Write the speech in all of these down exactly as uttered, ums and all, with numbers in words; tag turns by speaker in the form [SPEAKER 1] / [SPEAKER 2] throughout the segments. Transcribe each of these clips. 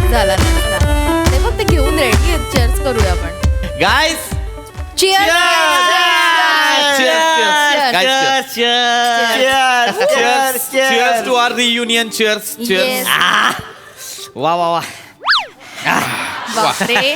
[SPEAKER 1] झाला नसता. ते फक्त घेऊन रेडी आहेत. चीअर्स करूया आपण
[SPEAKER 2] guys
[SPEAKER 1] cheers
[SPEAKER 2] cheers to our reunion. cheers cheers
[SPEAKER 3] वा वा वा
[SPEAKER 1] बापरे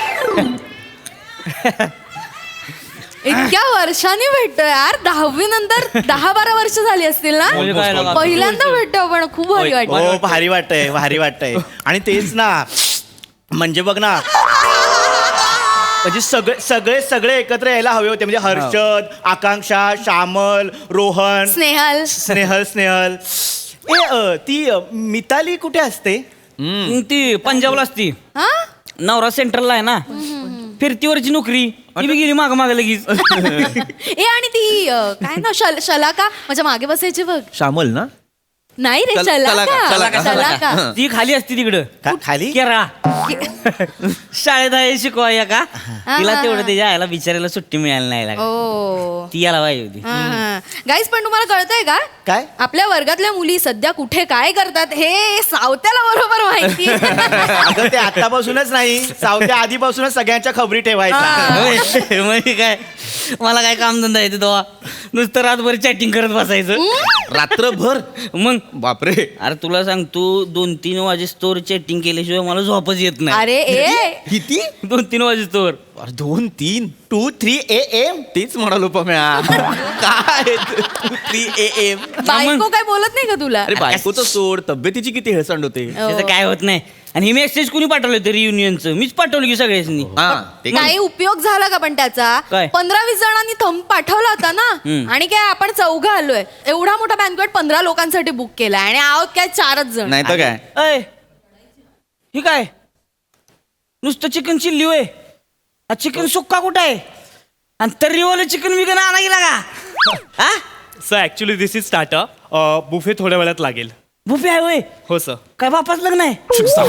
[SPEAKER 1] इतक्या वर्षांनी भेटतोय यार. दहावी नंतर दहा बारा वर्ष झाली असतील ना. पहिल्यांदा भेटतो आपण. खूप भारी वाटतं.
[SPEAKER 4] हो भारी वाटतंय भारी वाटतंय. आणि तेच ना म्हणजे बघ ना म्हणजे सगळे सगळे सगळे एकत्र यायला हवे होते. म्हणजे हर्षद, आकांक्षा, श्यामल, रोहन,
[SPEAKER 1] स्नेहल
[SPEAKER 4] स्नेहल स्नेहल ए अ, ती अ, मिताली कुठे असते?
[SPEAKER 3] ती पंजाबला असती.
[SPEAKER 1] हा
[SPEAKER 3] नवरा सेंट्रलला आहे ना. फिरतीवरची नोकरी ती बी गेली माग माग लगेच.
[SPEAKER 1] ए आणि ती अ, काय ना शल शलाका माझ्या मागे बसायची बघ.
[SPEAKER 2] श्यामल ना.
[SPEAKER 1] नाही रे
[SPEAKER 2] शल- शलाका,
[SPEAKER 1] शलाका
[SPEAKER 2] शलाका.
[SPEAKER 1] शलाका
[SPEAKER 3] ती खाली असती तिकडं
[SPEAKER 4] का- खाली
[SPEAKER 3] केरळा. शाळेत आहे शिकवाया का तिला तेवढं त्याच्या आईला बिचारायला सुट्टी मिळाली नाही लागली.
[SPEAKER 1] ओ
[SPEAKER 3] ती याला पाहिजे होती.
[SPEAKER 1] गाईज पण तुम्हाला कळतंय का
[SPEAKER 4] काय?
[SPEAKER 1] आपल्या वर्गातल्या मुली सध्या कुठे काय करतात हे सावत्याला बरोबर माहिती.
[SPEAKER 4] अगं ते आतापासूनच नाही सावत्या आधीपासूनच सगळ्यांच्या खबरी ठेवायच्या.
[SPEAKER 3] होय, म्हणजे काय मला काय काम धंदा येते तेव्हा नुसतं रातभर चॅटिंग करत बसायचं.
[SPEAKER 2] रात्रभर.
[SPEAKER 3] मग
[SPEAKER 2] बापरे.
[SPEAKER 3] अरे तुला सांग तू दोन तीन वाजे स्टोर चॅटिंग केल्याशिवाय मला झोपच येत नाही.
[SPEAKER 1] अरे ए
[SPEAKER 2] किती?
[SPEAKER 3] दोन तीन वाजे स्टोर
[SPEAKER 2] अरे दोन तीन
[SPEAKER 4] टू थ्री ए एम
[SPEAKER 2] तेच म्हणालो पम्या. काय थ्री ए एम.
[SPEAKER 1] बायको काय बोलत नाही का तुला.
[SPEAKER 2] अरे बायकोचं सोड. तब्येतीची किती हेळसांड होते.
[SPEAKER 3] त्याचं काय होत नाही. आणि हे मेसेज कुणी पाठवलं होतं रियुनियनचं? मीच पाठवलं की सगळ्यांनी.
[SPEAKER 2] हा ते काय?
[SPEAKER 1] काही उपयोग झाला का पण त्याचा.
[SPEAKER 3] काय?
[SPEAKER 1] पंधरा वीस जणांनी थंब पाठवला होता ना.
[SPEAKER 3] हम्म.
[SPEAKER 1] आणि काय आपण चौघं आलोय. एवढा मोठा बँकवेट पंधरा लोकांसाठी बुक केलाय आणि आहोत काय चारच जण.
[SPEAKER 2] नाही तर काय.
[SPEAKER 3] अय ही काय नुसतं चिकन चिल्ली होय. चिकन सुक्का कुठं आहे आणि तर्रीवालं चिकन विकन आणा गेला का? हा
[SPEAKER 5] sir actually this is starter. Buffet थोड्या वेळात लागेल.
[SPEAKER 3] बुफे आहे होय.
[SPEAKER 5] हो सर.
[SPEAKER 3] काय बापाच लग्न आहे?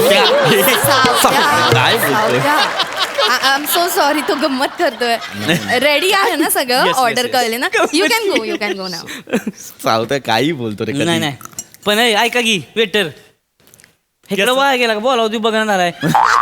[SPEAKER 2] काय बोलतोय?
[SPEAKER 1] आय एम सो सॉरी तो गंमत करतोय. रेडी आहे ना सगळं.
[SPEAKER 5] yes,
[SPEAKER 1] order
[SPEAKER 5] yes.
[SPEAKER 1] कळले ना. You can go you can go now.
[SPEAKER 2] सावत्या काही बोलतो रे.
[SPEAKER 3] नाही नाही पण ऐ, ऐका की वेटर इकडे
[SPEAKER 5] sir.
[SPEAKER 3] वाया गेला का बोलाव तू बघणार आहे.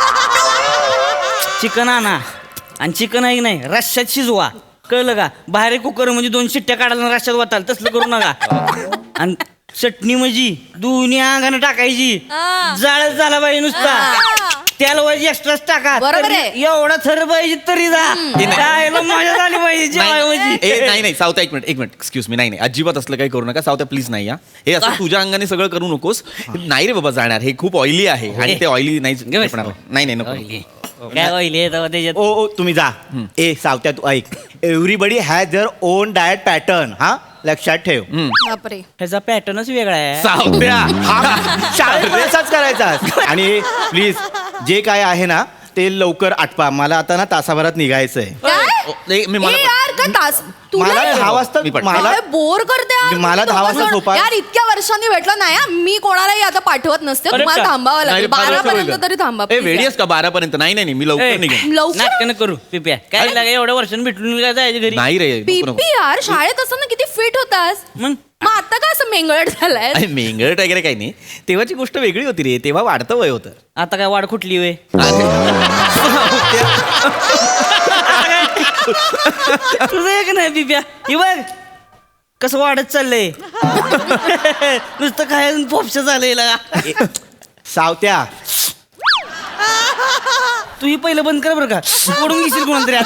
[SPEAKER 3] चिकन आणा आणि चिकन आहे की नाही रश्श्यात शिजवा. कळलं का? बाहेर कुकर म्हणजे दोन शिट्ट्या काढायला रश्श्यात वाटाल तसलं करू नका. आणि चटणी म्हणजे दोन्ही अंगाने टाकायची. जाळच झाला पाहिजे नुसता. त्याला पाहिजे एक्स्ट्राच टाका.
[SPEAKER 1] बरोबर
[SPEAKER 3] तरी
[SPEAKER 1] आहे.
[SPEAKER 3] एवढा थर पाहिजे तरी जा. खायला मजा झाली पाहिजे जेवाय
[SPEAKER 2] नाही
[SPEAKER 3] म्हणजे.
[SPEAKER 2] ए, नाही नाही सावत्या एक मिनिट एक मिनिट एक्सक्यूज मी. नाही नाही अजिबात असलं काही करू नका सावत्या प्लीज. नाही हा हे असं तुझ्या अंगाने सगळं करू नकोस. नाही रे बाबा जाणार. हे खूप ऑइली आहे आणि ते ऑइली नाही
[SPEAKER 3] घे बस.
[SPEAKER 2] नाही नाही नको.
[SPEAKER 3] Oily. काय होईल त्याच्यात?
[SPEAKER 4] ओ ओ तुम्ही जा. ए सावत्या तू ऐक. Everybody has their own diet pattern. हा लक्षात ठेव.
[SPEAKER 1] बापरे
[SPEAKER 3] ह्याचा पॅटर्नच वेगळा आहे.
[SPEAKER 2] सावत्या.
[SPEAKER 4] शाळेत असाच करायचा. आणि प्लीज जे काय आहे ना ते लवकर आटपा. मला आता ना तासाभरात निघायचंय.
[SPEAKER 1] काय
[SPEAKER 2] नाही, मी
[SPEAKER 1] ए
[SPEAKER 2] मला
[SPEAKER 1] यार का तास
[SPEAKER 4] मला दहा वाजता
[SPEAKER 2] मी पण-
[SPEAKER 4] मला
[SPEAKER 1] बोर करते यार.
[SPEAKER 4] मला
[SPEAKER 1] तुम्ही
[SPEAKER 4] दहा वाजता
[SPEAKER 1] दोघं जण.
[SPEAKER 4] झोपा.
[SPEAKER 1] यार इतक्या वर्षांनी भेटलं नाही हा. मी कोणालाही आता पाठवत नसते.
[SPEAKER 3] अरे
[SPEAKER 1] तुम्हाला
[SPEAKER 3] का?
[SPEAKER 1] थांबावं
[SPEAKER 2] नाही
[SPEAKER 1] लागेल.
[SPEAKER 2] रे, फार
[SPEAKER 1] बारा
[SPEAKER 2] लवकर
[SPEAKER 1] पर्यंत
[SPEAKER 2] होईल.
[SPEAKER 1] तरी थांबा
[SPEAKER 2] ए
[SPEAKER 1] please
[SPEAKER 2] वेडी
[SPEAKER 1] यार.
[SPEAKER 2] आहेस का बारा पर्यंत? नाही नाही नाही, मी लवकर निघेन.
[SPEAKER 1] लवकर
[SPEAKER 3] नाटकं करू पिप्या काय लागे एवढ्या वर्षांनी भेटून काय जायचं घरी.
[SPEAKER 2] नाही रे नको, नको.
[SPEAKER 1] पीपी यार शाळेत असताना किती फिट होतास.
[SPEAKER 3] मग
[SPEAKER 1] मग आता काय असं मेंगळट झालाय.
[SPEAKER 2] अरे मेंगळट वगैरे काही नाही. तेव्हाची गोष्ट वेगळी होती रे. तेव्हा वाढतं वय होतं.
[SPEAKER 3] आता काय वाढ कुठली वे? तुझं एक नाही पिप्या हे बघ कसं वाढत चाललंय. नुसतं काय पोपशा झालंय लगा.
[SPEAKER 4] सावत्या
[SPEAKER 3] तू ही पहिलं बंद कर बरं का. ओढून घेशील कोणातरी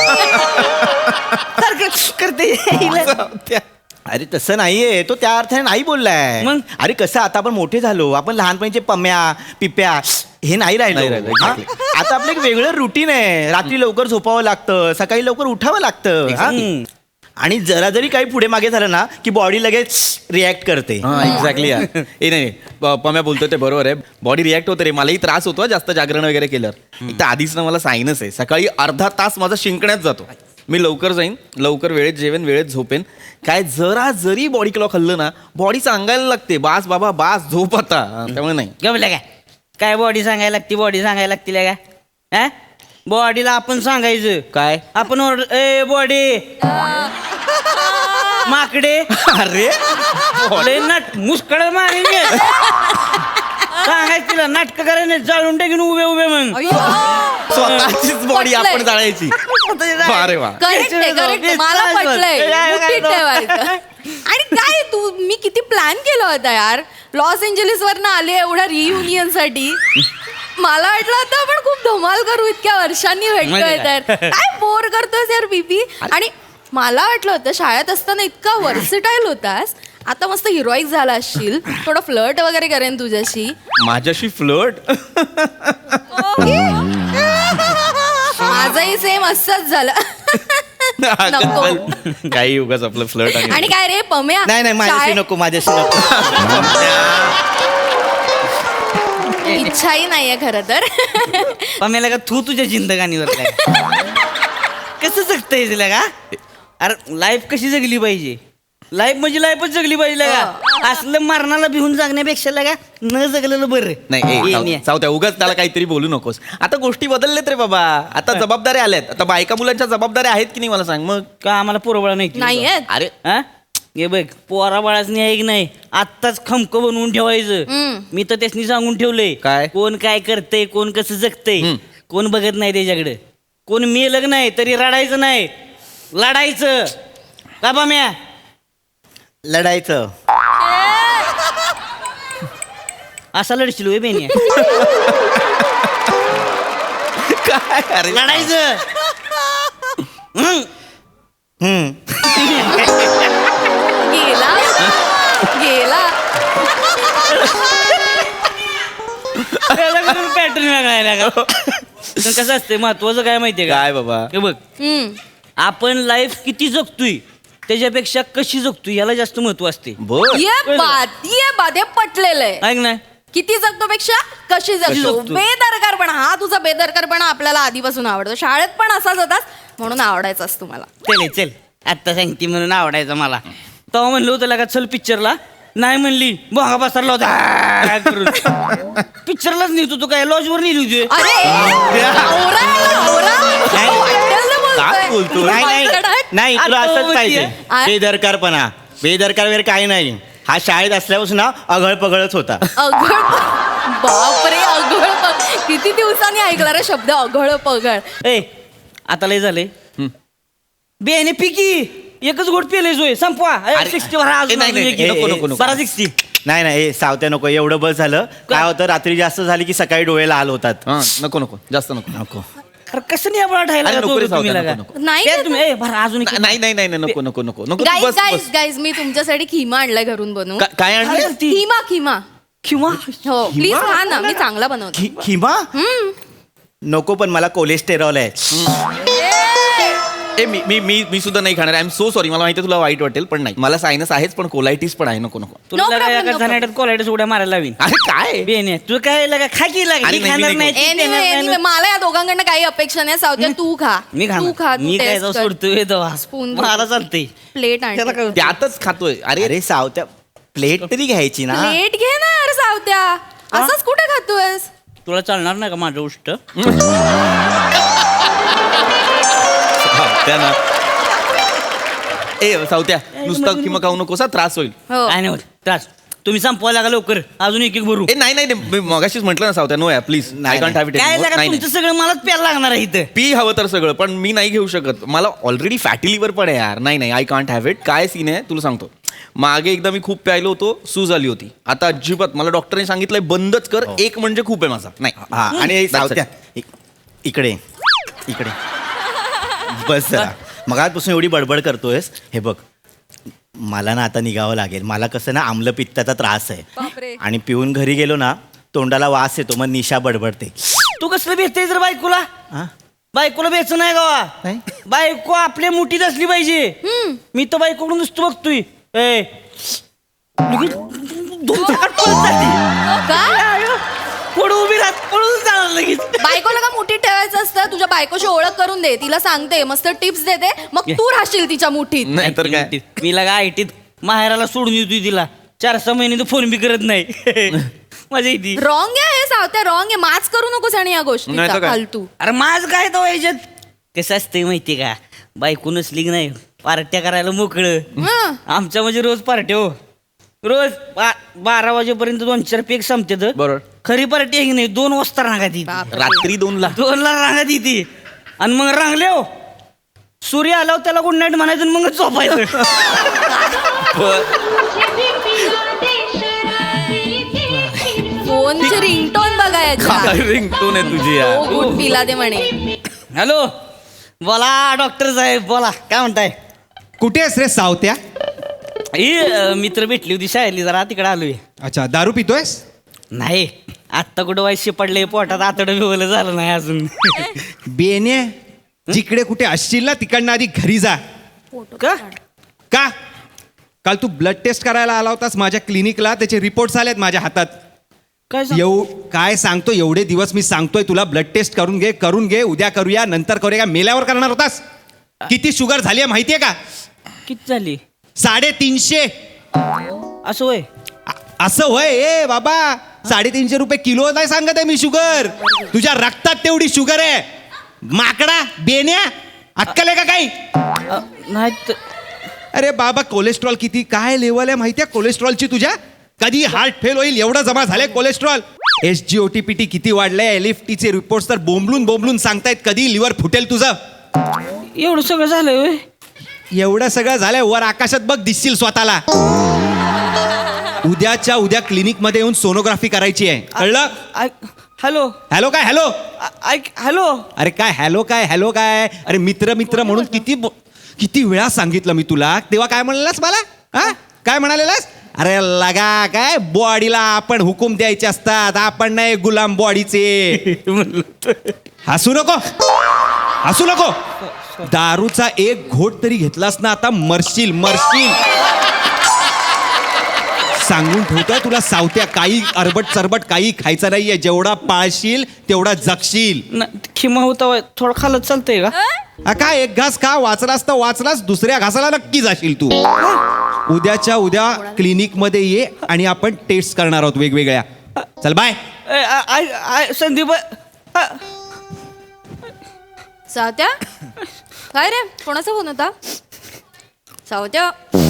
[SPEAKER 3] करते.
[SPEAKER 2] सावत्या.
[SPEAKER 4] अरे तसं नाहीये. तो त्या अर्थाने नाही बोललाय.
[SPEAKER 3] मग?
[SPEAKER 4] अरे कसं आता आपण मोठे झालो. आपण लहानपणीचे पम्या पिप्या हे नाही
[SPEAKER 2] नाही
[SPEAKER 4] राहिलो.
[SPEAKER 2] राहिलं,
[SPEAKER 4] हा?
[SPEAKER 2] exactly.
[SPEAKER 4] आता आपलं एक वेगळं रुटीन आहे. रात्री लवकर झोपावं लागतं. सकाळी लवकर उठावं लागतं. हा?
[SPEAKER 3] हम्म.
[SPEAKER 4] आणि जरा जरी काही पुढे मागे झालं ना की बॉडी लगेच रिॲक्ट करते.
[SPEAKER 2] हा एक्झॅक्टली यार. ए नाही प- पम्या बोलतो ते बरोबर आहे. बॉडी रिॲक्ट होते रे. मलाही त्रास होतो जास्त जागरण वगैरे केल्यावर. एक तर आधीच ना मला सायनस आहे. सकाळी अर्धा तास माझा शिंकण्यात जातो. मी लवकर जाईन लवकर वेळेत जेवेन वेळेत झोपेन. काय जरा जरी बॉडी क्लॉक हल्लं ना बॉडी सांगायला लागते बास बाबा बास झोप आता. त्यामुळे नाही
[SPEAKER 3] गमल्या काय काय बॉडी सांगायला लागती बॉडी सांगायला लागतील का? हा बॉडीला आपण सांगायचं
[SPEAKER 2] काय
[SPEAKER 3] आपण ओरड ए बॉडी माकडे
[SPEAKER 2] अरे
[SPEAKER 3] लय नट मुस्कळ मारेन मी. सांगायचं तिला नाटक करायला जाळून टाकीन उभे उभे मग
[SPEAKER 1] अय्यो.
[SPEAKER 2] स्वतःचीच बॉडी आपण
[SPEAKER 1] पटलंय.
[SPEAKER 2] जाळायची अरे वा
[SPEAKER 1] करेक्ट आहे करेक्ट मला पटलंय मुठीत ठेवायचं. आणि काय तू मी किती प्लॅन केला होता यार लॉस एंजलिस वरनं आले एवढ्या रियुनियन साठी मला वाटलं होतं आपण खूप धमाल करू इतक्या वर्षांनी भेटतोय
[SPEAKER 3] म्हणजे
[SPEAKER 1] तर काय बोर करतोस यार बीबी. आणि मला वाटलं होतं शाळेत असताना इतका वर्सिटाईल होतास आता मस्त हिरोईक झाला असशील थोडं फ्लर्ट वगैरे करेन तुझ्याशी.
[SPEAKER 2] माझ्याशी फ्लर्ट
[SPEAKER 1] माझंही सेम असंच झालं. नको.
[SPEAKER 2] काही उगाच आपलं फ्लर्ट
[SPEAKER 1] आणि काय रे पम्या
[SPEAKER 4] नाही नाही माझ्याशी
[SPEAKER 1] शाळेत-
[SPEAKER 4] नको माझ्याशी नको
[SPEAKER 1] इच्छाही नाहीये खरं तर.
[SPEAKER 3] पम्याला का तू तुझ्या जिंदगानीवर काय कसं जगता तिला का अरे लाईफ कशी जगली पाहिजे लाईफ म्हणजे लाईफच जगली पाहिजे का असलं मरणाला भिवून जगण्यापेक्षा लगा न जगलेलं बरं
[SPEAKER 2] नाही ए,
[SPEAKER 3] ये,
[SPEAKER 2] साव-
[SPEAKER 3] ये.
[SPEAKER 2] सावत्या उगाच त्याला काहीतरी बोलू नकोस आता गोष्टी बदललेत रे बाबा आता जबाबदाऱ्या आल्यात आता बायका मुलांच्या जबाबदाऱ्या आहेत की नाही मला सांग मग
[SPEAKER 3] का आम्हाला पोरबळा नाही
[SPEAKER 1] नाहीयेत.
[SPEAKER 2] अरे
[SPEAKER 3] हा हे बघ पोरा बाळाच नाही की नाही आत्ताच खमक बनवून ठेवायचं
[SPEAKER 1] हम्म.
[SPEAKER 3] मी तर त्यासनी सांगून ठेवलंय
[SPEAKER 2] काय?
[SPEAKER 3] कोण काय करतंय कोण कसं जगतंय
[SPEAKER 2] हम्म.
[SPEAKER 3] कोण बघत नाही त्याच्याकडे कोण मेलग नाही तरी रडायचं नाही लढायचं का बाम्या
[SPEAKER 4] लढायचं
[SPEAKER 3] असा लढशील होय बेनी
[SPEAKER 2] काय अरे
[SPEAKER 3] लढायचं हम्म.
[SPEAKER 4] हम्म
[SPEAKER 1] गेला गेला
[SPEAKER 3] पॅटर्न वेगळा का पण कसं असते महत्वाचं काय माहितीये का
[SPEAKER 2] काय बाबा
[SPEAKER 3] हे बघ
[SPEAKER 1] हम्म.
[SPEAKER 3] आपण लाईफ किती जगतोय त्याच्यापेक्षा कशी जगतोय याला जास्त महत्व असते
[SPEAKER 2] बर
[SPEAKER 1] ये बात ये बात हे पटलेलं आहे
[SPEAKER 3] ऐक ना
[SPEAKER 1] किती जगतो पेक्षा कशी जगतो
[SPEAKER 3] जगतो.
[SPEAKER 1] बेदरकारपणा हा तुझा बेदरकारपणा आपल्याला आधीपासून आवडतो शाळेत पण असाच होतास म्हणून आवडायचास तुम्हाला.
[SPEAKER 3] चल चल आत्ता सांगते म्हणून आवडायचं मला तेव्हा म्हणलं होतं लगा चल पिक्चरला नाही म्हणली बोंगा बसरला होता पिक्चरलाच नेतो तू काय लॉजवर नेली होती
[SPEAKER 1] अरे नवरा आहे, नवरा.
[SPEAKER 4] नाही.
[SPEAKER 1] वाटेल ते
[SPEAKER 2] काय
[SPEAKER 1] बोलतोय.
[SPEAKER 2] बोलतोय?
[SPEAKER 4] नाही नाही नाही तुला
[SPEAKER 3] आता
[SPEAKER 4] असंच
[SPEAKER 3] होतीये.
[SPEAKER 4] पाहिजे
[SPEAKER 1] आ?
[SPEAKER 4] बेदरकारपणा बेदरकार वगैरे काही नाही हा शाळेत असल्यापासून ना अघळ पगळच होता
[SPEAKER 1] अघळ बापरे अघळ पग किती दिवसांनी ऐकला रे शब्द अघळ पगळ.
[SPEAKER 3] ए आता लय झाले बेने पिकी एकच गोट पेले जोय संपवा
[SPEAKER 2] अरे,
[SPEAKER 3] सिक्स्टी भरा
[SPEAKER 2] ए, नाही, नाही,
[SPEAKER 4] ए,
[SPEAKER 2] नको
[SPEAKER 4] ए,
[SPEAKER 2] नको नको
[SPEAKER 3] बारा सिक्स्टी
[SPEAKER 4] नाही नाही ए, सावत्या नको एवढं बस झालं काय होतं रात्री जास्त झाली की सकाळी डोळे लाल होतात
[SPEAKER 2] हा नको नको जास्त नको
[SPEAKER 4] नको
[SPEAKER 3] अरे कसं नाही आपण
[SPEAKER 2] अरे,
[SPEAKER 3] ठायला
[SPEAKER 2] नको रे, सावत्या, नको, नको.
[SPEAKER 1] नाही
[SPEAKER 3] प्या
[SPEAKER 1] ना.
[SPEAKER 3] तुम्ही ए भरा अजून एक.
[SPEAKER 2] नाही नाही नाही नाही, नको नको नको नको तू
[SPEAKER 1] गाईज
[SPEAKER 2] बस
[SPEAKER 1] गाईज
[SPEAKER 2] बस
[SPEAKER 1] गाईज मी तुमच्यासाठी खिमा आणलाय घरून बनवून.
[SPEAKER 2] का- काय आणलं
[SPEAKER 3] अरे, ती-
[SPEAKER 1] खिमा खिमा
[SPEAKER 3] किंवा
[SPEAKER 1] हो प्लीज खा ना मी चांगला बनवतो.
[SPEAKER 4] खि- खिमा नको पण मला कोलेस्टेरॉल आहे
[SPEAKER 2] ए मी मी मी मी सुद्धा नाही खाणार आय एम सो सॉरी मला माहिती आहे तुला वाईट वाटेल पण नाही मला सायनस आहेच पण कोलायटिस पण आहे नको नको
[SPEAKER 3] तुला
[SPEAKER 1] No
[SPEAKER 3] लगा
[SPEAKER 1] problem,
[SPEAKER 3] एका
[SPEAKER 1] no
[SPEAKER 3] झानाट्यात कोलायडस उड्या मारायला लावीन
[SPEAKER 2] अरे काय
[SPEAKER 3] बेने तू काय लगा खा की लागा
[SPEAKER 2] अरे,
[SPEAKER 3] ही
[SPEAKER 2] नाही,
[SPEAKER 3] खाणार
[SPEAKER 2] मी
[SPEAKER 3] नाही
[SPEAKER 2] नाही
[SPEAKER 3] ती
[SPEAKER 1] Anyway,
[SPEAKER 3] खाणार
[SPEAKER 1] anyway,
[SPEAKER 3] नाही.
[SPEAKER 1] मला या दोघांकडनं काही अपेक्षा नाही सावत्या तू खा
[SPEAKER 3] मी
[SPEAKER 1] तू
[SPEAKER 3] खाणार
[SPEAKER 1] खा तू
[SPEAKER 3] मी काय
[SPEAKER 1] taste कर.
[SPEAKER 3] सोडतोय तेव्हा
[SPEAKER 1] Spoon
[SPEAKER 3] मला चालतंय
[SPEAKER 1] प्लेट आण
[SPEAKER 3] त्याला काय होतं?
[SPEAKER 2] त्यातच खातोय अरे
[SPEAKER 4] अरे सावत्या प्लेट तरी घ्यायची ना
[SPEAKER 1] प्लेट घे ना यार सावत्या असंच कुठे खातोयस.
[SPEAKER 3] तुला चालणार नाही का माझं उष्ट
[SPEAKER 2] त्या ना ए सावत्या
[SPEAKER 3] मग-
[SPEAKER 2] नुसतं किंवा खाऊ नकोस हा, त्रास होईल
[SPEAKER 1] हो
[SPEAKER 3] काय नाही होत त्रास तुम्ही संपवा लागा लवकर अजून एक एक भरू
[SPEAKER 2] ए नाही नाही नाही, मी मगाशीच म्हटलं ना सावत्या नो या प्लीज
[SPEAKER 4] नाही,
[SPEAKER 2] आय कांट हॅव इट
[SPEAKER 3] काय लागा
[SPEAKER 2] नाही
[SPEAKER 3] तुमचं सगळं मलाच प्यायला लागणार आहे इथं
[SPEAKER 2] पी हवं तर सगळं पण मी नाही घेऊ शकत मला ऑलरेडी फॅटी लिव्हर पण आहे यार नाही नाही आय कांट हॅव इट काय सीन आहे तुला सांगतो मागे एकदा मी खूप प्यायलो होतो सूज आली होती आता अजिबात मला डॉक्टरने सांगितलंय बंदच कर एक म्हणजे खूप आहे माझा नाही
[SPEAKER 4] हा आणि
[SPEAKER 2] That's
[SPEAKER 4] सावत्या इक- इकडे इकडे बस जरा मगापासून एवढी बडबड करतोयस हे बघ मला ना आता निघावं लागेल मला कसं ना आम्लपित्ताचा त्रास
[SPEAKER 1] बापरे.
[SPEAKER 4] आहे आणि पिऊन घरी गेलो ना तोंडाला वास येतो मग निशा बडबडते
[SPEAKER 3] तू कसलं भेटतेय जर बायकोला
[SPEAKER 4] हा?
[SPEAKER 3] बायकोला बेच नाही गावा
[SPEAKER 4] नाही?
[SPEAKER 3] बायको आपल्या मुठीत असली पाहिजे मी तर बायकोकडून नुसतं बघतोय ए लगेच दोन चाकात पळत जाते.
[SPEAKER 1] का
[SPEAKER 3] पुढं उभी राहत पळून जाणार लगेच
[SPEAKER 1] बायकोला का मुठीत ठेवायचं असतं तुझ्या बायकोची ओळख करून दे तिला सांगते मस्त टिप्स देते मग तू राहशील तिच्या मुठीत.
[SPEAKER 2] नाही तर काय
[SPEAKER 3] मी लगा आयटीत माहेराला सोडून येतोय तिला चार सहा महिने तर फोन बी करत नाही मजा येते
[SPEAKER 1] रॉंग आहे हे सावत्या रॉंग आहे माच करू नकोस आणि या
[SPEAKER 2] नाही
[SPEAKER 1] गोष्टीचा
[SPEAKER 2] तर काय?
[SPEAKER 1] फालतू.
[SPEAKER 3] अरे माझ काय तो याच्यात कसं असतंय माहितीये का बायको नसली की नाही पार्ट्या करायला मोकळं
[SPEAKER 1] हं.
[SPEAKER 3] आमच्या म्हणजे रोज पार्ट्या हो रोज बा- बारा वाजेपर्यंत दोन चार पेक संपतात
[SPEAKER 2] बरोबर
[SPEAKER 3] खरी पार्टी आहे की नाही दोन वाजता रांगा ती
[SPEAKER 1] बापरे.
[SPEAKER 2] रात्री दोनला
[SPEAKER 3] दोनला रांगा ती ती आणि मग रांगले हो सूर्य आल्यावर त्याला गुड नाईट म्हणायचं आणि मग झोपायचं.
[SPEAKER 1] फोनची रिंगटोन बघायचा
[SPEAKER 2] रिंगटोन आहे तुझी यार.
[SPEAKER 1] हो गुड पिला ते म्हणे.
[SPEAKER 3] हॅलो बोला डॉक्टर साहेब बोला काय म्हणताय.
[SPEAKER 6] कुठे आहेस रे सावत्या?
[SPEAKER 3] ही अं, मित्र भेटली होती शाळेली जरा तिकडे आलोय.
[SPEAKER 6] अच्छा दारू पितोयस?
[SPEAKER 3] नाही आत्ता कुठं वाईशी पडले पोटात आतडं बिवलं झालं नाही अजून.
[SPEAKER 6] बेने जिकडे कुठे असशील ना तिकडनं आधी घरी जा.
[SPEAKER 3] का
[SPEAKER 6] का? काल तू ब्लड टेस्ट करायला आला होतास माझ्या क्लिनिकला, त्याचे रिपोर्ट्स आलेत माझ्या हातात.
[SPEAKER 3] काय सांग-
[SPEAKER 6] येऊ काय सांगतो एवढे दिवस मी सांगतोय तुला ब्लड टेस्ट करून घे करून घे उद्या करूया नंतर करूया. मेल्यावर करणार होतास? किती शुगर झाली आहे माहितीये का?
[SPEAKER 3] किती झाली
[SPEAKER 6] साडेतीनशे.
[SPEAKER 3] असं होय.
[SPEAKER 6] अ- असं होय ए बाबा, साडेतीनशे रुपये किलो नाही सांगत आहे मी शुगर. तुझ्या रक्तात तेवढी शुगर आहे. माकडा बेन्या अक्कल आहे का काही?
[SPEAKER 3] अ, नाही त-
[SPEAKER 6] अरे बाबा कोलेस्ट्रॉल किती काय लेवल आहे माहितीये कोलेस्ट्रॉलची तुझ्या? कधी हार्ट फेल होईल एवढं जमा झालंय cholesterol. S G O T P T किती वाढलंय, एल एफ टीचे रिपोर्ट्स तर बोंबलून बोंबलून सांगतायत कधी लिव्हर फुटेल तुझं.
[SPEAKER 3] एवढं सगळं झालंय होय.
[SPEAKER 6] एवढं सगळं झालंय वर आकाशात बघ दिसशील स्वतःला. उद्याच्या उद्या क्लिनिक मध्ये येऊन सोनोग्राफी करायची आहे कळलं?
[SPEAKER 3] ऐक- हॅलो
[SPEAKER 6] हॅलो काय हॅलो?
[SPEAKER 3] आ- ऐक हॅलो
[SPEAKER 6] अरे काय हॅलो काय हॅलो काय? अरे मित्र मित्र म्हणून किती बो- किती वेळा सांगितलं मी तुला. तेव्हा काय म्हणालास मला? हा काय म्हणालेलास? अरे लगा काय बॉडीला आपण हुकूम द्यायचे असतात, आपण नाही गुलाम बॉडीचे. हसू नको हसू नको. दारूचा एक घोट तरी घेतलास ना आता मरशील मरशील. सांगून ठेवतोय तुला सावत्या, काही अरबट चरबट काही खायचं नाहीये. जेवढा पाळशील तेवढा जगशील.
[SPEAKER 3] न- खिमा होता होय. थोडं खालत चालतंय का?
[SPEAKER 6] हा काय एक घास खा, वाचलास तर वाचलास, दुसऱ्या घासाला नक्की जाशील तू. उद्याच्या उद्या क्लिनिक मध्ये ये आणि आपण टेस्ट करणार आहोत वेगवेगळ्या. चल बाय.
[SPEAKER 3] ए, आ- आ- आ- संदीप आ-
[SPEAKER 1] सावत्या काय रे कोणाचा फोन होता? सावत्या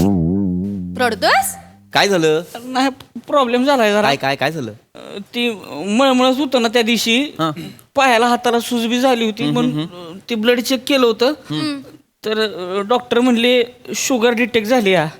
[SPEAKER 1] रडतोयस?
[SPEAKER 2] काय झालं?
[SPEAKER 3] नाही प्रॉब्लेम झालाय जरा.
[SPEAKER 2] काय काय काय झालं?
[SPEAKER 3] अ, ती मळमळच होतं ना त्या दिवशी.
[SPEAKER 2] हा.
[SPEAKER 3] पायाला हाताला सुजबी झाली होती म्हणून ती ब्लड चेक केलं होतं तर डॉक्टर म्हणले शुगर डिटेक्ट झाली हा.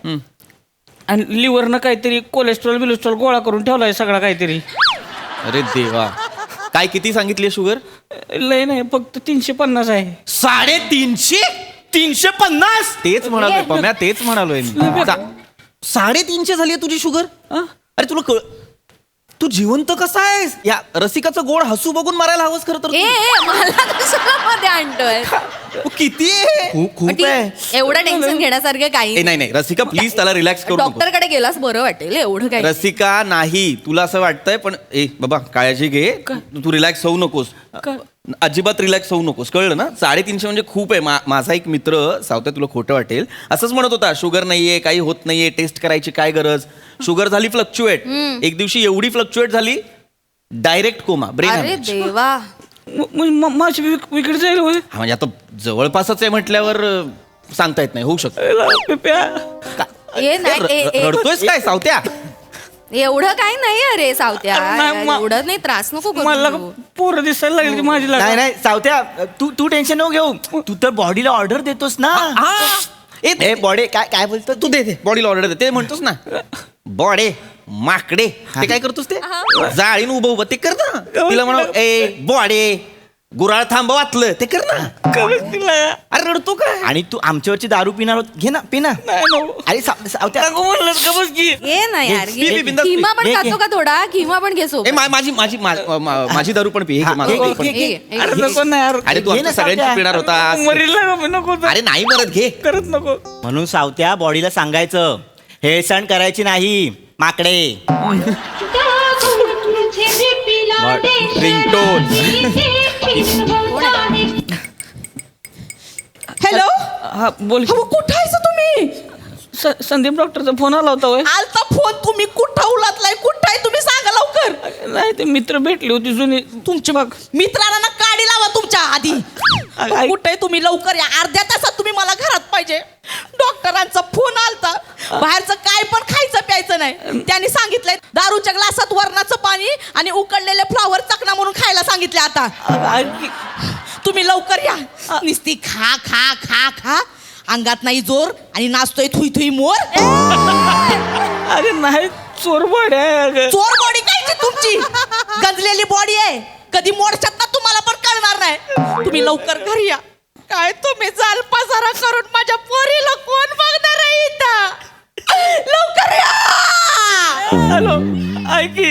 [SPEAKER 3] आणि लिव्हरनं काहीतरी कोलेस्ट्रॉल बिलेस्ट्रॉल गोळा करून ठेवलाय सगळा काहीतरी.
[SPEAKER 2] अरे देवा. काय किती सांगितली शुगर?
[SPEAKER 3] लय नाही फक्त तीनशे पन्नास आहे.
[SPEAKER 2] साडेतीनशे.
[SPEAKER 4] तीनशे पन्नास
[SPEAKER 2] तेच म्हणालोय पम्या, तेच म्हणालोय मी. सा- साडेतीनशे झाली तुझी शुगर?
[SPEAKER 3] हा?
[SPEAKER 2] अरे तुला कळ तू जिवंत कसा आहेस? या रसिकाचं गोड हसू बघून मारायला हवंस खरं तर
[SPEAKER 1] ए
[SPEAKER 2] तू.
[SPEAKER 1] ए, मला कशाला मध्ये आणतोय?
[SPEAKER 2] तू किती आहे?
[SPEAKER 4] खूप खूप
[SPEAKER 1] ठीक,
[SPEAKER 4] आहे.
[SPEAKER 1] एवढं टेन्शन घेण्यासारखं
[SPEAKER 2] ए,
[SPEAKER 1] काही
[SPEAKER 2] नाही नाही रसिका प्लीज त्याला रिलॅक्स करू नको.
[SPEAKER 1] डॉक्टर कडे गेलास बरं वाटेल एवढं काही.
[SPEAKER 2] रसिका नाही तुला असं वाटतंय पण ए बाबा काळजी घे. तू रिलॅक्स होऊ नकोस.
[SPEAKER 3] का?
[SPEAKER 2] अजिबात रिलॅक्स होऊ नकोस कळलं ना. साडेतीनशे म्हणजे खूप आहे. मा- माझा एक मित्र सावत्या तुला खोटं वाटेल असंच म्हणत होता शुगर नाहीये काही होत नाहीये टेस्ट करायची काय गरज. शुगर झाली फ्लक्च्युएट. एक दिवशी एवढी फ्लक्च्युएट झाली डायरेक्ट कोमा
[SPEAKER 1] अरे
[SPEAKER 2] ब्रेन.
[SPEAKER 1] देवा.
[SPEAKER 3] म- म- म- माझी विक- विकेट जाईल होय.
[SPEAKER 2] हा म्हणजे आता जवळपासच आहे म्हटल्यावर अं, सांगता येत नाही होऊ शकतं.
[SPEAKER 3] ए, ला- पिप्या.
[SPEAKER 1] ए नाही ए, ए,
[SPEAKER 2] रडतोयस काय सावत्या?
[SPEAKER 1] एवढं काही नाही अरे सावत्या.
[SPEAKER 3] अरे नाही, मा-
[SPEAKER 1] एवढं नाही त्रास नको करू
[SPEAKER 3] मला
[SPEAKER 1] तू.
[SPEAKER 3] पोरं दिसायला लागली ती माझी
[SPEAKER 4] नाही
[SPEAKER 3] लागली.
[SPEAKER 4] नाही सावत्या तू तू टेन्शन नको घेऊ. तू तर बॉडीला ऑर्डर देतोस ना.
[SPEAKER 2] ए,
[SPEAKER 4] ए बॉडी काय काय बोलतो
[SPEAKER 2] तू दे दे बॉडीला ऑर्डर दे ते म्हणतोस ना. बॉडे माकडे ते काय करतोस ते जाळीन उभं उभं ते कर ना. तिला म्हणा ए बॉडे गुराळ थांब वाचलं ते कर ना.
[SPEAKER 3] कमीच दिला या.
[SPEAKER 2] अरे रडतो काय?
[SPEAKER 4] आणि तू आमच्यावरची दारू पिणार होत घे ना पी ना.
[SPEAKER 3] नाही नको.
[SPEAKER 4] अरे साव- सावत्या
[SPEAKER 3] नको म्हणलं का बस की.
[SPEAKER 1] ए नाही यार
[SPEAKER 2] पी, पी, बिंदास पी.
[SPEAKER 1] किमा पण
[SPEAKER 4] घे,
[SPEAKER 1] खातो
[SPEAKER 4] घे.
[SPEAKER 1] का थोडा? किमा पण घेसो.
[SPEAKER 2] ए मा- माझी माझी मा- मा- माझी दारू पण पी. हे घे, माझं
[SPEAKER 4] घे,
[SPEAKER 2] दारू
[SPEAKER 4] घे,
[SPEAKER 2] पण
[SPEAKER 4] घे,
[SPEAKER 2] पी.
[SPEAKER 4] घे.
[SPEAKER 3] अरे नको नाही यार.
[SPEAKER 2] अरे तू
[SPEAKER 4] घे
[SPEAKER 2] आमच्या
[SPEAKER 4] ना,
[SPEAKER 2] सगळ्यांची
[SPEAKER 4] सावत्या.
[SPEAKER 2] पिणार होता.
[SPEAKER 3] मरील ना का नको तर.
[SPEAKER 2] अरे नाही मरत घे.
[SPEAKER 3] करत नको.
[SPEAKER 4] म्हणून सावत्या बॉडीला सांगायचं हेळसण करायची नाही माकडे.
[SPEAKER 2] रिंगटोन.
[SPEAKER 7] हॅलो
[SPEAKER 3] हा बोल की.
[SPEAKER 7] अहो कुठं आहेस तुम्ही?
[SPEAKER 3] स- संदीप डॉक्टरचा फोन आला होता होय.
[SPEAKER 7] आलता फोन तुम्ही कुठं उलातलाय कुठं आहे तुम्ही सांगा लवकर.
[SPEAKER 3] नाही ते मित्र भेटली होती जुनी
[SPEAKER 7] तुमच्या बघ मित्रांना ना काढी लावा तुमच्या आधी.
[SPEAKER 3] आई-
[SPEAKER 7] कुठे आहे तुम्ही लवकर या. अर्ध्या तासात तुम्ही मला घरात पाहिजे. डॉक्टरांचा फोन आलता बाहेरचं काय पण खायचं प्यायचं नाही. त्यांनी सांगितलंय दारूच्या ग्लासात वरणाचं पाणी आणि उकडलेले फ्लॉवर चकना म्हणून खायला सांगितले. आता तुम्ही लवकर या. नुसती खा खा खा खा, अंगात नाही जोर आणि नाचतोय थुई थुई मोर.
[SPEAKER 3] अरे नाही चोर बॉडी आहे अगं.
[SPEAKER 7] चोर बॉडी कायची तुमची, गंजलेली बॉडी आहे. कधी मोडशात ना तुम्हाला पण कळणार नाही. तुम्ही लवकर घरी या. काय तुम्ही जाल पसारा करून माझ्या पोरीला कोण बघणार आहे इथं? लवकर या.
[SPEAKER 3] हॅलो ऐकी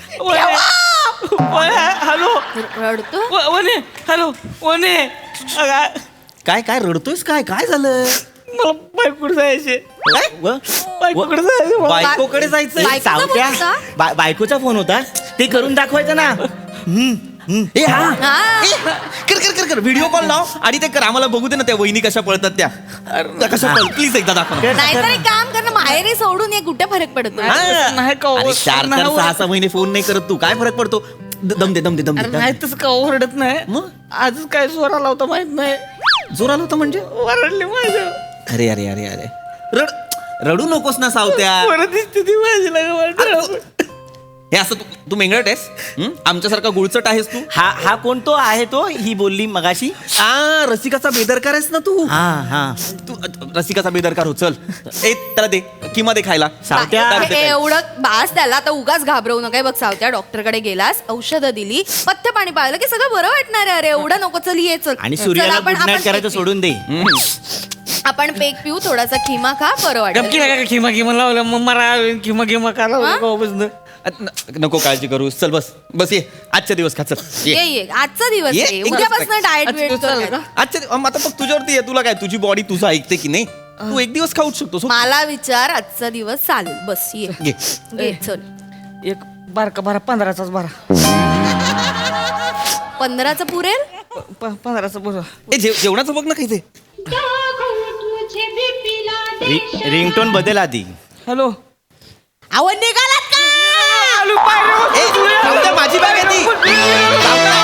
[SPEAKER 3] हॅलो
[SPEAKER 1] रडतो
[SPEAKER 3] व- वने हॅलो वने अगं,
[SPEAKER 4] काय काय रडतोयस? काय काय झालं?
[SPEAKER 3] मला बायकोकडे जायचे.
[SPEAKER 4] काय व?
[SPEAKER 3] बायकोकडे जायचे मला.
[SPEAKER 4] बायकोकडे जायचंय.
[SPEAKER 1] बायकोचा
[SPEAKER 4] सावत्या
[SPEAKER 1] फोन होता?
[SPEAKER 4] बा- बायकोचा फोन होता. ते करून दाखवायचं ना. हम्म, हम्म. ए हा
[SPEAKER 1] हा.
[SPEAKER 2] ए, कर कर कर कर व्हिडिओ कॉल लाव आणि ते कर आम्हाला बघू दे ना त्या वहिनी कशा पळतात त्या. त्या कशा पळ प्लीज एकदा दाखव ना.
[SPEAKER 1] नाहीतर एक काम कर ना, माहेरी सोडून ये, कुठे फरक पडतो.
[SPEAKER 2] हा.
[SPEAKER 3] नाही का
[SPEAKER 2] अरे चार
[SPEAKER 3] नाही
[SPEAKER 2] चार
[SPEAKER 3] हो.
[SPEAKER 2] सहा सहा महिने फोन नाही करत तू, काय फरक पडतो? द- दम दे दम दे दम
[SPEAKER 3] अरे
[SPEAKER 2] दे
[SPEAKER 3] नाही तसं का ओरडत नाही.
[SPEAKER 2] मग?
[SPEAKER 3] आजच काय जोर आला होता माहित नाही.
[SPEAKER 2] जोर आला होता म्हणजे?
[SPEAKER 3] ओरडली माझ्या.
[SPEAKER 2] अरे अरे अरे अरे रड रडू नकोस ना सावत्या.
[SPEAKER 3] परत दिसते ती माझी लागलं.
[SPEAKER 2] हे असं तू तू मेंगळट आहेस हं? आमच्यासारखा गुळचट आहेस तू.
[SPEAKER 4] हा हा कोण तो आहे तो? ही बोलली मगाशी.
[SPEAKER 2] आ रसिकाचा बेदरकार आहेस ना तू.
[SPEAKER 4] हा हा
[SPEAKER 2] तू अ, रसिकाचा बेदरकार हो. चल ए त्याला दे किंवा दे खायला.
[SPEAKER 4] सावत्या.
[SPEAKER 2] तार दे
[SPEAKER 1] हे
[SPEAKER 2] खायला.
[SPEAKER 1] एवढं बास त्याला, आता उगाच घाबरवू नका. हे बघ सावत्या, डॉक्टरकडे गेलास, औषधं दिली, पथ्य पाणी पाळलं की सगळं बरं वाटणार आहे. अरे एवढं नको, चल ये चल.
[SPEAKER 4] आणि
[SPEAKER 1] चल,
[SPEAKER 4] सूर्याला
[SPEAKER 1] आपण-
[SPEAKER 4] गुड नाईट
[SPEAKER 1] आपण
[SPEAKER 4] करायचं
[SPEAKER 1] पेक
[SPEAKER 4] सोडून दे.
[SPEAKER 2] हं.
[SPEAKER 1] पिऊ. आपण पेक पिऊ, थोडासा खिमा खा, बरं
[SPEAKER 3] गपकी
[SPEAKER 1] वाटेल.
[SPEAKER 3] नका खिमा खिमा लावलं मग मरा खिमा खिमा का लावलं.
[SPEAKER 2] अ, न- नको काळजी करूस. चल बस बस ये आजच्या दिवस खा. चल
[SPEAKER 1] ये
[SPEAKER 2] ये
[SPEAKER 1] ये आजचा दिवस
[SPEAKER 2] ये,
[SPEAKER 1] आहे.
[SPEAKER 2] एक
[SPEAKER 1] उद्यापासून
[SPEAKER 2] दिवस
[SPEAKER 1] डाएट
[SPEAKER 3] आजचा
[SPEAKER 1] वेट
[SPEAKER 3] दिवस चालेल का?
[SPEAKER 2] आजच्या दि- अम, आता बघ तुझ्यावरती आहे. तुला काय, तुझी बॉडी तुझं ऐकते की नाही. तू एक दिवस खाऊच शकतो. सो-
[SPEAKER 1] मला विचार, आजचा दिवस चालेल. बस ये
[SPEAKER 2] घे.
[SPEAKER 1] ये, चल.
[SPEAKER 3] एक बारका बारा पंधराचाच बारा
[SPEAKER 1] पंधराचं पुरेल.
[SPEAKER 3] प- पंधराचा बरं.
[SPEAKER 2] ए जेव- जेवणाचं बघ ना काही ते.
[SPEAKER 4] रिंगटोन बदल आधी.
[SPEAKER 3] हॅलो
[SPEAKER 7] अहो निघालात का?
[SPEAKER 3] आलू पाय रे.
[SPEAKER 2] ए, सावत्या, माझी बॅग आहे ती. सावत्या.